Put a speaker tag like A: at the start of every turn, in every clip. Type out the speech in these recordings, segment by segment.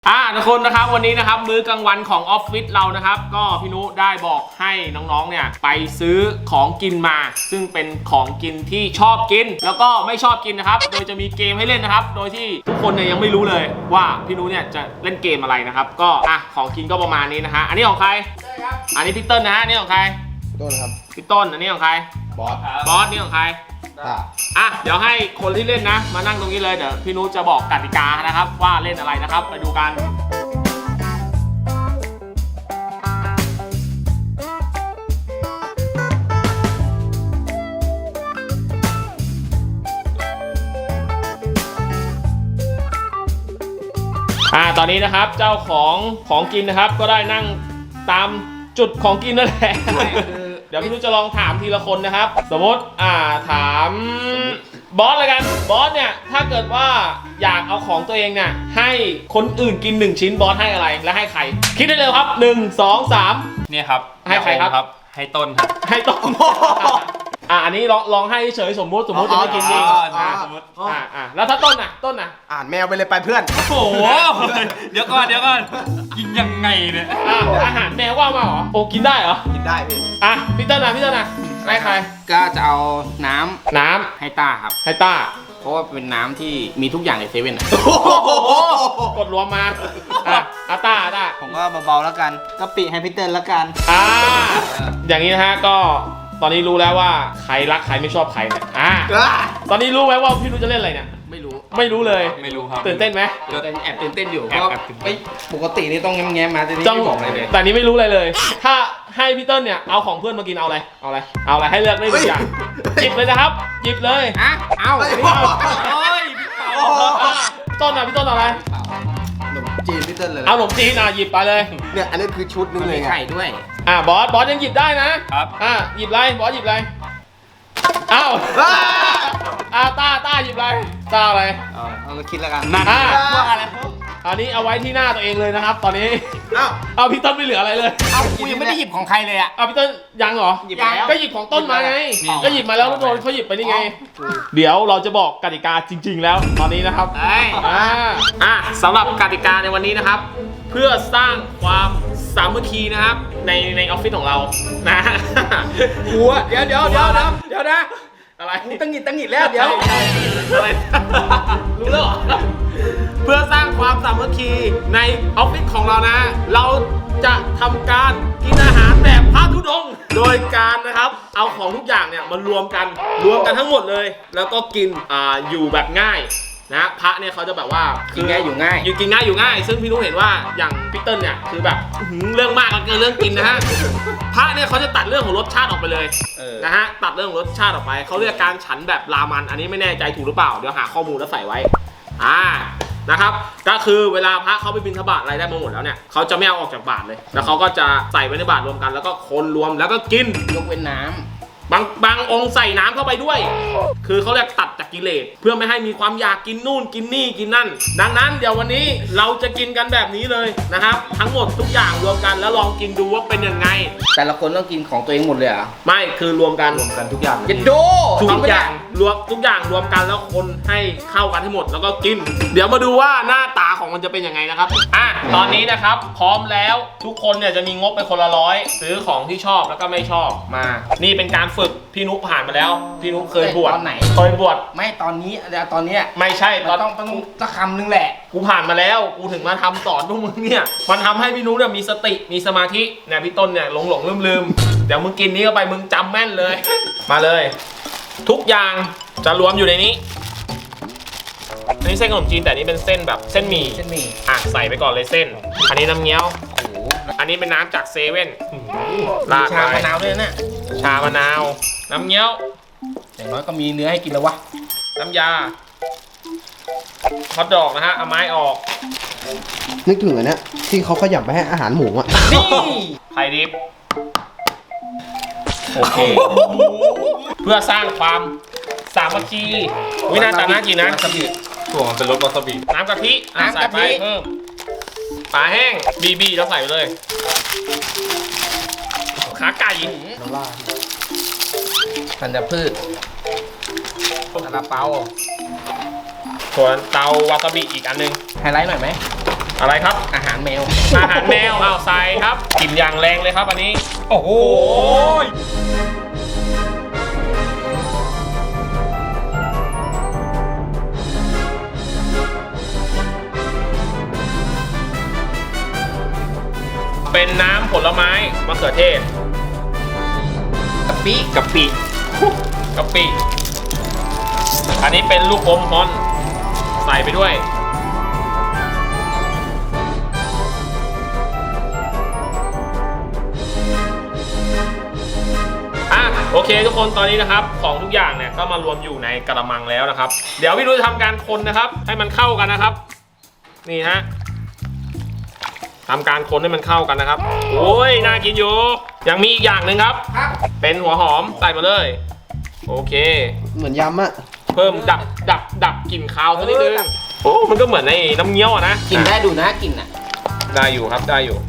A: ทุกคนนะครับวันนี้นะครับมื้อกลางวันของออฟฟิศเรานะครับก็พี่นุได้บอกให้น้องๆเนี่ยไปซื้อของกินมาซึ่งเป็นของกินที่ชอบกินแล้วก็ไม่ชอบกินนะครับโดยจะมีเกมให้เล่นนะครับโดยที่ทุกคนเนี่ยยังไม่รู้เลยว่าพี่นุเนี่ยจะเล่นเกมอะไรนะครับก็ของกินก็ประมาณนี้นะฮะอันนี้ของใครอันนี้พี่เติ้ลนะฮะนี่ของใคร
B: ต้นครับ
A: พี่ต้นอันนี้ของใครบอสนี่ของใครเดี๋ยวให้คนที่เล่นนะมานั่งตรงนี้เลยเดี๋ยวพี่นุจะบอกกติกานะครับว่าเล่นอะไรนะครับไปดูกันตอนนี้นะครับเจ้าของกินนะครับก็ได้นั่งตามจุดของกินนั่นแหละเดี๋ยวพี่นุจะลองถามทีละคนนะครับสมมติถามบอสเลยกันบอสเนี่ยถ้าเกิดว่าอยากเอาของตัวเองเนี่ยให้คนอื่นกิน1ชิ้นบอสให้อะไรและให้ใครคิดได้เลยครับ1 2 3
C: เนี่ยครับ
A: ให้ใครครับ
C: ให้ต้นครับ
A: ให้ต้นอันนี้ลองให้เฉยสมมุติจะไม่กินจริง
C: สมมติ
A: แล้วถ้าต้นน่ะ
B: อ่านแมวไปเลยไปเพื่อน
C: โอ้โหเดี๋ยวก่อนกินยังไงเนี่ย
A: อาหารแมวว่ามาเหรอโอ้กินได้เหรอ
B: กินได้พี่
A: พี่เติ้ลนะให้ใคร
D: ก็จะเอาน้ำให้ต้าครับ
A: ให้ต้า
D: เพราะว่าเป็นน้ำที่มีทุกอย่างในเซเว่น
A: กดรวมมาต้า
D: ผมก็เบาๆแล้วกันก็ปิให้พี่เติ้ลแล้วกัน
A: อย่างนี้นะฮะก็ตอนนี้รู้แล้วว่าใครรักใครไม่ชอบใครเนี่ยตอนนี้รู้ไหมว่าพี่นุจะเล่นอะไรเนี่ย
D: ไม่รู้
A: เลย
C: ไม่รู้ครับ
A: ตื่นเต้นไหม
D: แอบตื่นเต้นอยู่เพราะไม่ปกตินี่ต้องแง้มมาแต่นี่ไม่บอกอะไรเลย
A: แต่นี้ไม่รู้อะไรเลยถ้าให้พี่เติ้ลเนี่ยเอาของเพื่อนมากินเอาอะไรให้เลือกได้1อย่างหยิบเลยนะครับหยิบเลย
D: เอา
A: ต้นพี่ต้นอะไร
B: ขนมจีนพี่เติ้ลเลย
A: เอาขนมจีนหยิบไปเลย
B: เนี่ยอันนี้คือชุดนึงเลย
D: ไข่ด้วย
A: บอสยังหยิบได้นะครับหยิบไรบอสหยิบไรต้าหยิบไรต้าอะไร
D: เอามาคิดแล้วกัน
A: พวกอะไรอันนี้เอาไว้ที่หน้าตัวเองเลยนะครับตอนนี้เอาพี่ต้นไม่เหลืออะไรเลย
D: กูยังไม่ได้หยิบของใครเลย
A: พี่ต้นยังเหรอ
D: หยิบแล้ว
A: ก็หยิบของต้นมาไงก็หยิบมาแล้วโดนเขาหยิบไปนี่ไงเดี๋ยวเราจะบอกกติกาจริงๆแล้วตอนนี้นะครับสำหรับกติกาในวันนี้นะครับเพื่อสร้างความสามัคคีนะครับในออฟฟิศของเรานะ
D: หัวเดี๋ยวนะ
A: อะไร
D: ตั้งหงิดแล้วเดี๋ยว
A: อะไรรู้แล้วเหรอเพื่อสร้างความสามัคคีในออฟฟิศของเรานะเราจะทำการกินอาหารแบบพระธุดงค์โดยการนะครับเอาของทุกอย่างเนี่ยมารวมกันทั้งหมดเลยแล้วก็กินอยู่แบบง่ายนะพระเนี่ยเขาจะแบบว่า
D: กินง่ายอยู่
A: ง่ายซึ่งพี่นุ้เห็นว่าอย่างพี่เติ้ลเนี่ยคือแบบเรื่องมากเกินเรื่องกินนะฮะพระเนี่ยเขาจะตัดเรื่องของรสชาติออกไปเลยนะฮะตัดเรื่องของรสชาติออกไปเขาเรียกการฉันแบบรามันอันนี้ไม่แน่ใจถูกหรือเปล่าเดี๋ยวหาข้อมูลแล้วใส่ไว้นะครับก็คือเวลาพระเขาไปบิณฑบาตอะไรได้มาหมดแล้วเนี่ยเขาจะไม่เอาออกจากบาตรเลยแล้วเขาก็จะใส่ไว้ในบาตรรวมกันแล้วก็คนรวมแล้วก็กิน
D: ยกเว้นน้ำ
A: บางองค์ใส่น้ำเข้าไปด้วยคือเขาเรียกตัดจากกิเลสเพื่อไม่ให้มีความอยากกินนู่นกินนี่กินนั่นดังนั้นเดี๋ยววันนี้เราจะกินกันแบบนี้เลยนะครับทั้งหมดทุกอย่างรวมกันแล้วลองกินดูว่าเป็นยังไง
D: แต่ละคนต้องกินของตัวเองหมดเลยเหรอ
A: ไม่คือรวมกัน
B: ทุกอย่าง
D: เย็นโด
A: ทุกอย่างทุกอย่างรวมกันแล้วคนให้เข้ากันให้หมดแล้วก็กินเดี๋ยวมาดูว่าหน้าตาของมันจะเป็นยังไงนะครับตอนนี้นะครับพร้อมแล้วทุกคนเนี่ยจะมีงบไปคนละ100ซื้อของที่ชอบแล้วก็ไม่ชอบมานี่เป็นการฝึกพี่นุผ่านมาแล้วพี่นุเคยบวช
D: ตอนไหน
A: เคยบวช
D: ไม่ตอนนี้
A: ไม่ใช่
D: ต้องสักคำนึงแหละ
A: กูผ่านมาแล้วกูถึงมาทำสอนพวกมึงเนี่ยมันทำให้พี่นุเนี่ยมีสติมีสมาธิเนี่ยพี่ต้นเนี่ยหลงลืมเดี๋ยวมึงกินนี้เข้าไปมึงจำแม่นเลยมาเลยทุกอย่างจะรวมอยู่ในนี้อันนี้เส้นขนมจีนแต่นี้เป็นเส้นแบบเส้นหมี่ใส่ไปก่อนเลยเส้นอันนี้น้ำเงี้ยวอันนี้เป็นน้ำจากเซเว่น
D: ราดชามะนาวด้วยนะ
A: ชามะนาวน้ำเงี้ยว
D: อย่างน้อยก็มีเนื้อให้กินแล้ววะ
A: น้ำยาฮอทดอกนะฮะเอาไม้ออก
B: นึกถึงอันนี้ที่เขาขยับไปให้อาหารหมูอ่ะ
A: นี่ไข่ดิบโอเคเพื่อสร้างความสามัคคีวินาทีน่ากินนะ
C: ถั่วมันเป็นรสวาซาบิ
A: น้ำกะทิใส่ไปเพิ่มปลาแห้งบีแล้วใส่ไปเลยขาไก่
D: ธัญพืชซาลาเปา
A: ส่วนเตาวาซาบิอีกอันนึง
D: ไฮไลท์หน่อยไหม
A: อะไรครับ
D: อาหารแมว
A: อาหารแมวเอาใส่ครับกลิ่นอย่างแรงเลยครับอันนี้
C: โอ้โห
A: เป็นน้ำผลไม้มะเขือเทศ
D: กะปิ
C: กะปิ
A: กะปิ อันนี้เป็นลูกอมฮอนใส่ไปด้วยโอเคทุกคนตอนนี้นะครับของทุกอย่างเนี่ยก็มารวมอยู่ในกระมังแล้วนะครับเดี๋ยวพี่นุ้ยจะทำการคนนะครับให้มันเข้ากันนะครับนี่ฮะทำการคนให้มันเข้ากันนะครับโอ้ยน่ากินอยู่ยังมีอีกอย่างหนึ่งครับ เป็นหัวหอมใส่มาเลยโอเค
B: เหมือนยำอะ
A: เพิ่มดับกลิ่นคาวสักนิดนึงโอ้มันก็เหมือนในน้ำเงี้ยวอะนะ
D: กินได้ดูนะกินอ่ะ
A: ได้อยู่ครับได้อยู่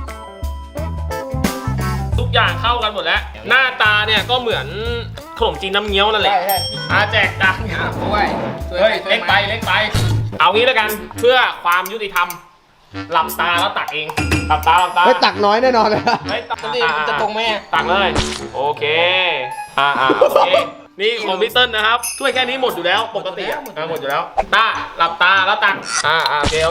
A: ทุกอย่างเข้ากันหมดแล้วหน้าตาเนี่ยก็เหมือนขนมจีนน้ำเงี้ยวนั่นแหละแจกจาน
D: ด้วย
A: เฮ้ยเล็กไปเล็กไปเอางี้แล้วกันเพื่อความยุติธรรมหลับตาแล้วตักเองหลับตา
B: ไม่ตักน้อยแน่นอนเลย
A: เฮ้ยตัก
D: มันจะตรงไหม
A: ตักเลยโอเคโอเคนี่ของพี่เติ้ลนะครับถ้วยแค่นี้หมดอยู่แล้วปกติหมดอยู่แล้วตาหลับตาแล้วตักโอเค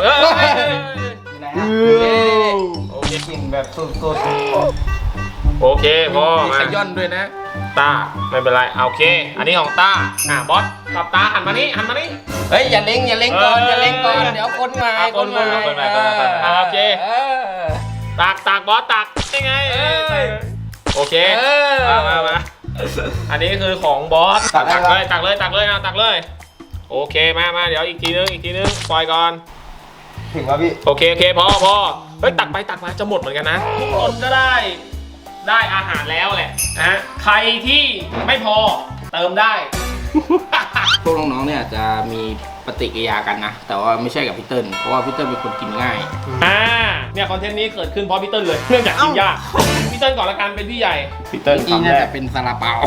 A: โอเค
D: กินแบบสุด
A: โอเคพอ
D: ๆมี
A: มา
D: ขย้อนด้วยนะ
A: ตาไม่เป็นไรโอเคอันนี้ของตาบอสหลับตาหันมานี่
D: เฮ้ยอย่าเล็งก่อนอย่าเล็งก่อนเดี๋ยวคนมาคนมา
A: โอเคตักบอสตักยังไงโอเคมาอันนี้คือของบอสตักเลยโอเคมาเดี๋ยวอีกทีนึงปล่อยก่อน
B: ถึงแล้วพี่
A: โอเคพอเฮ้ยตักไปจะหมดเหมือนกันนะทุกคนก็ได้อาหารแล้วแหละนะใครที่ไม่พอเติมได้
D: พวกน้องๆเนี่ยจะมีปฏิกิริยากันนะ แต่ว่าไม่ใช่กับพี่เติ้ลเพราะว่าพี่เติ้ลเป็นคนกินง่าย
A: เนี่ยคอนเทนต์นี้เกิดขึ้นเพราะพี่เติ้ลเลยเนื่องจากกินยากพี่เติ้ลก่อนละกันเป็นพี่ใหญ่พี่เติ้ล
D: จริง
A: คำ
D: น่า
A: แร
D: จะ
A: ก
D: เป็นซาลาเปา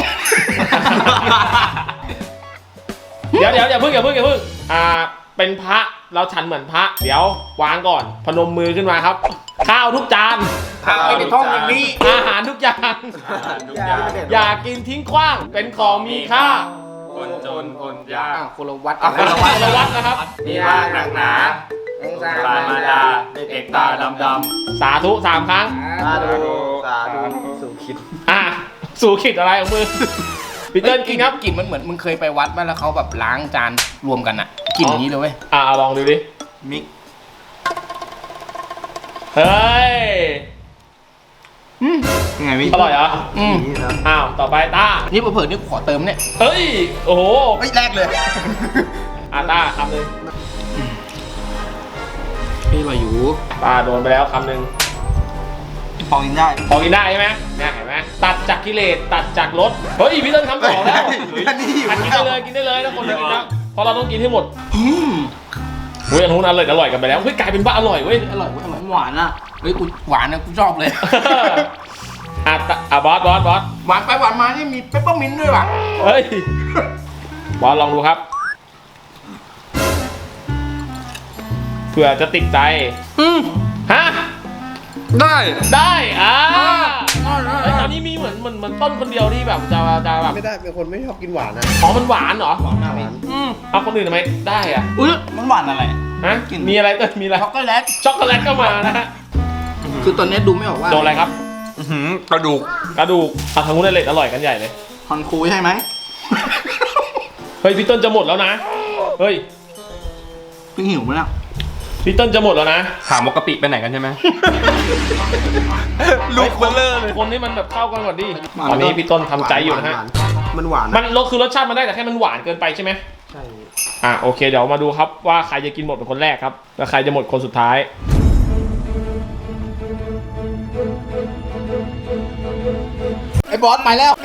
A: เดี๋ยวอย่าเพิ่งเป็นพระเราฉันเหมือนพระเดี๋ยววางก่อนพนมมือขึ้นมาครับข้าวทุกจาน
D: ไม่ได้ท่องอย่างนี้
A: อาหารทุกอย่างอย่ากินทิ้งขว้างเป็นของมีค่า
C: คนจนคนยาก
D: คนละวัด
A: คนละวัดนะครับ
C: มีมากหนักหนาตายมาดาเอกตาดำ
A: สาธุ3 ครั้ง
B: สาธุสู่คิด
A: สู่ขิดอะไรของมึงพี่เติ้ลกินครับ
D: กลิ่นมันเหมือนมึงเคยไปวัดไหมแล้วเขาแบบล้างจานรวมกันอ่ะกลิ่นอย่างนี้เลยเว้ย
A: ลองดูดิ
C: มิก
A: เฮ้ย
C: ไงพี่
A: อร่อยเหรอต่อไปต้า
D: นี่เผื่อๆนี่ขอเติมเนี่ย
A: เฮ้ยโอ้โห
D: ไม่แรกเลย
A: ต้าคำหนึ่ง
D: พี่มาอยู่
A: ต้าโดนไปแล้วคำหนึ่ง
C: พอกินได้
A: พอกินได้ใช่ไหมเนี่ยเห็นไหมตัดจากกิเลสตัดจากรสเฮ้ยพี่เติ้ลคำสองแล้วกินได้เลยถ้าคนจะกินนะเพราะเราต้องกินให้หมดเฮ้ยอันนู้นอร่อยกันไปแล้วเฮ้ยกลายเป็นว่าอร่อยเว้ย
D: อร่อยหวานอ่ะเฮ้ยกูหวานนะกูชอบเลย
A: บอส
D: หวานไปหวานมานี่มีเปปเปอร์มินต์ด้วยว่ะ
A: เฮ้ยบอสลองดูครับเผื่อจะติดใจฮะได้ตอนนี้มีเหมือนต้นคนเดียวที่แบบจะแบบ
B: ไม่ได้เป็นคนไม่ชอบกินหวานนะ
A: มันหวานเหรอเอาคนอื่นทำไมได้อะ
C: มันหวานอะไร
A: ฮะมีอะไรมีอะไร
D: ช็อกโกแลต
A: ช็อกโกแลตก็มานะฮะ
D: คือตอนนี้ดูไม่ออกว่า
A: โดนอะไรครับ
C: กระดูก
A: กระดูกทางนู้นเลยอร่อยกันใหญ่เลย
D: ฮอนคูใช่ไหม
A: เฮ้ยพี่ต้นจะหมดแล้วนะเฮ้ย
D: เพิ่งหิวมั้ยเนี่ย
A: พี่ต้นจะหมดแล้วนะ
C: ถามว่ากะปิไปไหนกันใช่ไหม ลูกเบลเลอร์เลย
A: คนนี้มันแบบเข้ากันก่อนดิตอนนี้พี่ต้นทำใจอยู่นะฮะ
B: มันหวาน
A: มันคือรสชาติมันได้แต่แค่มันหวานเกินไปใช่ไหม
B: ใช่
A: โอเคเดี๋ยวมาดูครับว่าใครจะกินหมดเป็นคนแรกครับและใครจะหมดคนสุดท้าย
B: ไอ้บอสมาแล้ว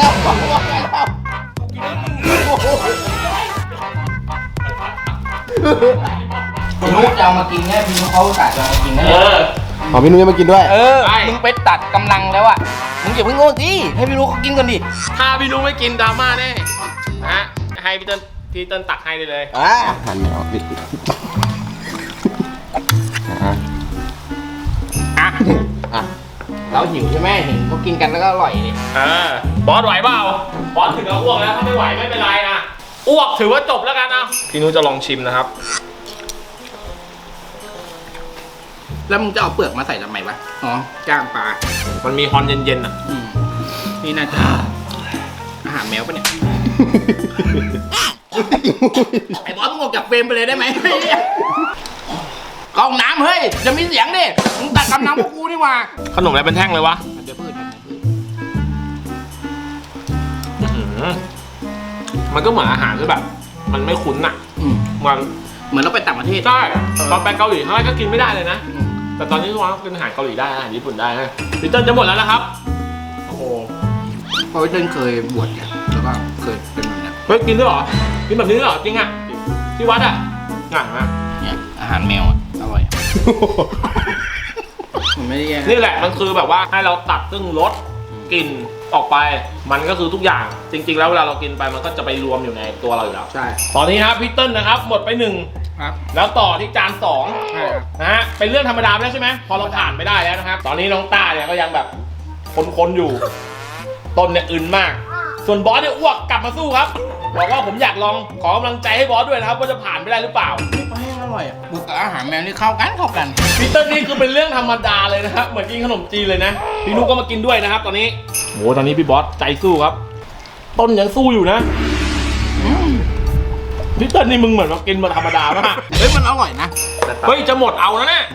D: พี่นุ๊กจะเอามากินแค่พี่นุ๊กเขาตัดจะเอามากินนะ
B: อ๋อพี่นุ้ยมากินด้วย
D: มึงไปตัดกำลังแล้วอ่ะมึงอย่าเพิ่งโง่สิให้พี่นุ๊กเขากินก่อนดิ
A: ถ้าพี่นุ้ยไม่กินดราม่าแน่นะให้พี่เติ้ลตักให้ได้เลย
B: หันแมว
D: เราหิวใช่ไหมเห็นเขากินกันแล้วก็อร่อยดิ
A: บอสไหวเปล่าบอสถึงกับอ้วกแล้วถ้าไม่ไหวไม่เป็นไรนะอ้วกถือว่าจบแล้วกันนะพี่นุ้ยจะลองชิมนะครับ
D: แล้วมึงจะเอาเปลือกมาใส่ทำไมวะอ๋อกล้างปลา
A: มันมีฮอนเย็นๆอ่ะ
D: นี่น่าจะอาหารแมวปะเนี่ย ไอ้บอสมึงออกจากเฟรมไปเลยได้ไหมกล้องน้ำเฮ้ยจะมีเสียงดิมึงตัดกำน้ำพวกกูนี่หว่า
A: ขนมอะไรเป็นแท่งเลยวะ
D: เดี๋ยวพืช
A: มันก็เหมือนอาหารที่แบบ มันไม่คุ้นอ่ะมัน
D: เหมือนเราไปต่างประเทศ
A: ใช่ตอนไปเกาหลีครั้งแรกก็กินไม่ได้เลยนะ แต่ตอนนี้ทุกคนก็กินอาหารเกาหลีได้อาหารญี่ปุ่นได้นะพีเตอร์จะหมดแล้วนะครับโอ้โห
D: เพราะว่าเต้นเคยบวชเนี่ยแล้วก็เคยเป็นแบบเนี้ย
A: เฮ้ยกินด้วยเหรอกินแบบนี้ด้วยเหรอจริงอ่ะที่วัดอ่ะง่ายมาก
D: เนี่ยอาหารแมวอ่ะอร่อยมันไม่ได้แย่
A: นี่แหละมันคือแบบว่าให้เราตัดซึ่งรสกลิ่นออกไปมันก็คือทุกอย่างจริงๆแล้วเวลาเรากินไปมันก็จะไปรวมอยู่ในตัวเราอยู่แล้ว
D: ใช่
A: ตอนนี้นะครับพี่เติ้ลนะครับหมดไป1
D: ครับ
A: แล้วต่อที่จาน2
D: ใช่ครับ
A: นะฮะเป็นเรื่องธรรมดาไปแล้วใช่ไหมพอเราผ่านไม่ได้แล้วนะครับตอนนี้น้องต้าเนี่ยก็ยังแบบคนๆอยู่ต้นเนี่ยอึนมาก ส่วนบอสเนี่ยอ้วกกลับมาสู้ครับบอกว่าผมอยากลองขอกำลังใจให้บอสด้วยนะครับว่าจะผ่านไปได้หรือเปล่า
D: ปลาแห้งอร่อยอ่ะบุกกับอาหารแมวนี่เข้ากัน
A: พี่เติ้ลนี่คือเป็นเรื่องธรรมดาเลยนะครับเหมือนกินขนมจีนเลยนะพี่นุ๊กก็มากินด้วยนะครับตอนนี้โหตอนนี้พี่บอสใจสู้ครับ ต้นยังสู้อยู่นะพี่เติ้ลนี่มึงเหมือนมากินมาธรรมดามาก
D: เฮ้ยมันอร่อยนะ
A: เฮ้ยจะหมดเอานะเนี่ย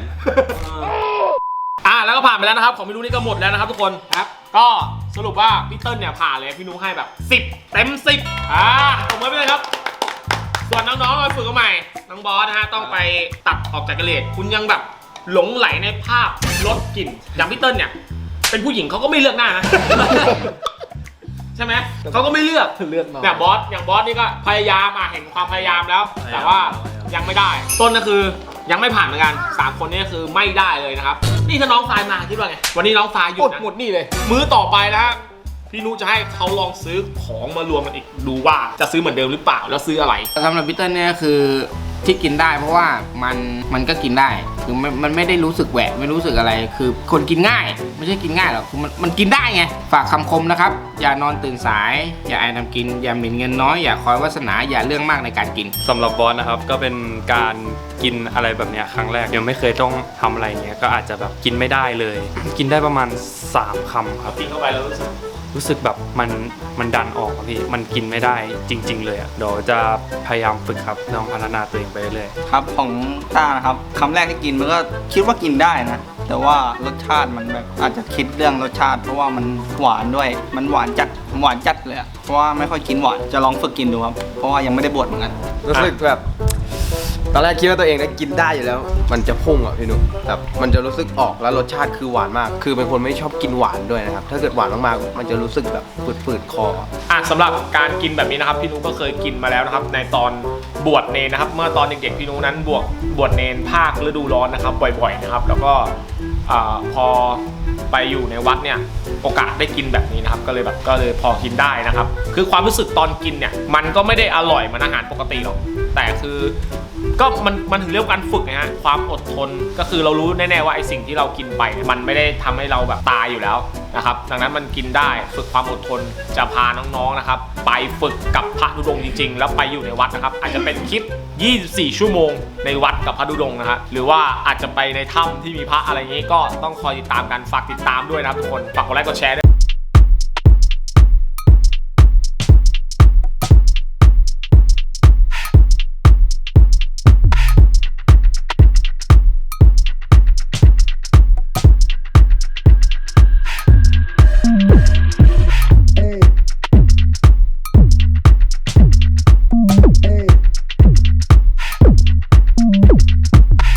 A: แล้วก็ผ่านไปแล้วนะครับของพี่นุ๊กนี่ก็หมดแล้วนะครับทุกคนครับก็สรุปว่าพี่เติ้ลเนี่ยผ่านเลยพี่นุ๊กให้แบบ10 เต็ม 10ผมไม่เป็นไรครับส่วนน้องๆเราฝึกกันใหม่น้องบอสนะฮะต้องไปตัดออกจากกระเลดคุณยังแบบหลงไหลในภาพรสกลิ่นอย่างพี่เติ้ลเนี่ยเป็นผู้หญิงเขาก็ไม่เลือกหน้านะ ใช่ไหมเขาก็ไม่เลือก
B: เลือกน้อง
A: เนี่ยบอสอย่างบอสนี่ก็พยายามเห็นความพยายามแล้ว แต่ว่ายังไม่ได้ต้นก็คือยังไม่ผ่านเหมือนกัน3 คนนี้คือไม่ได้เลยนะครับนี่ถ้าน้องฟายมาคิดว่าไงวันนี้น้องฟายหยุดนะ
B: หมดนี่เลย
A: มื้อต่อไปนะฮะพี่นุจะให้เขาลองซื้อของมารวมกันอีกดูว่าจะซื้อเหมือนเดิมหรือเปล่าแล้วซื้ออะไร
D: สำหรับพีเตอร์เนี่ยคือที่กินได้เพราะว่ามันก็กินได้คือมันไม่ได้รู้สึกแหวะไม่รู้สึกอะไรคือคนกินง่ายไม่ใช่กินง่ายหรอกคือมันกินได้ไงฝากคำคมนะครับอย่านอนตื่นสายอย่าอายทำกินอย่าหมิ่นเงินน้อยอย่าคอยวาสนาอย่าเรื่องมากในการกิน
C: สำหรับบอสนะครับก็เป็นการกินอะไรแบบเนี้ยครั้งแรกยังไม่เคยต้องทำอะไรเงี้ยก็อาจจะแบบกินไม่ได้เลย กินได้ประมาณ3 คำครับ
A: กินเข้าไปแล้วรู้สึก
C: แบบมันดันออกอะพี่มันกินไม่ได้จริง ๆ เลยอะเดี๋ยวจะพยายามฝึกครับลองพัฒนาตัวเองไปเรื่อย
E: ครับของต้านะครับคำแรกที่กินมันก็คิดว่ากินได้นะ แต่ว่ารสชาติมันแบบอาจจะคิดเรื่องรสชาติ เพราะว่ามันหวานด้วยมันหวานจัดเลยอะเพราะว่าไม่ค่อยกินหวานจะลองฝึกกินดูครับเพราะว่ายังไม่ได้บวชเหมือนกัน
B: รู้สึกแบบตอนแรกคิดว่าตัวเองได้กินได้อยู่แล้ว มันจะพุ่งอ่ะพี่นุ๊กแบบมันจะรู้สึกออกแล้วรสชาติคือหวานมาก คือเป็นคนไม่ชอบกินหวานด้วยนะครับถ้าเกิดหวานมากๆมันจะรู้สึกแบบฝืดๆคอ
A: สำหรับการกินแบบนี้นะครับพี่นุก็เคยกินมาแล้วนะครับในตอนบวชเนรนะครับเมื่อตอนเด็กๆพี่นุนั้นบวชเนรภาคฤดูร้อนนะครับบ่อยๆนะครับแล้วก็พอไปอยู่ในวัดเนี่ยโอกาสได้กินแบบนี้นะครับก็เลยพอกินได้นะครับคือความรู้สึกตอนกินเนี่ยมันก็ไม่ได้อร่อยเหมือนอาหารปกติหรอกแต่คือก็มันถึงเรื่องการฝึกนะฮะความอดทนก็คือเรารู้แน่ๆว่าไอสิ่งที่เรากินไปมันไม่ได้ทำให้เราแบบตายอยู่แล้วนะครับดังนั้นมันกินได้ฝึกความอดทนจะพาน้องๆนะครับไปฝึกกับพระธุดงค์จริงๆแล้วไปอยู่ในวัดนะครับอาจจะเป็นคลิป24 ชั่วโมงในวัดกับพระธุดงค์นะฮะหรือว่าอาจจะไปในถ้ำที่มีพระอะไรอย่างนี้ก็ต้องคอยติดตามกันฝากติดตามด้วยนะครับทุกคนฝากกดไลค์กดแชร์ด้วย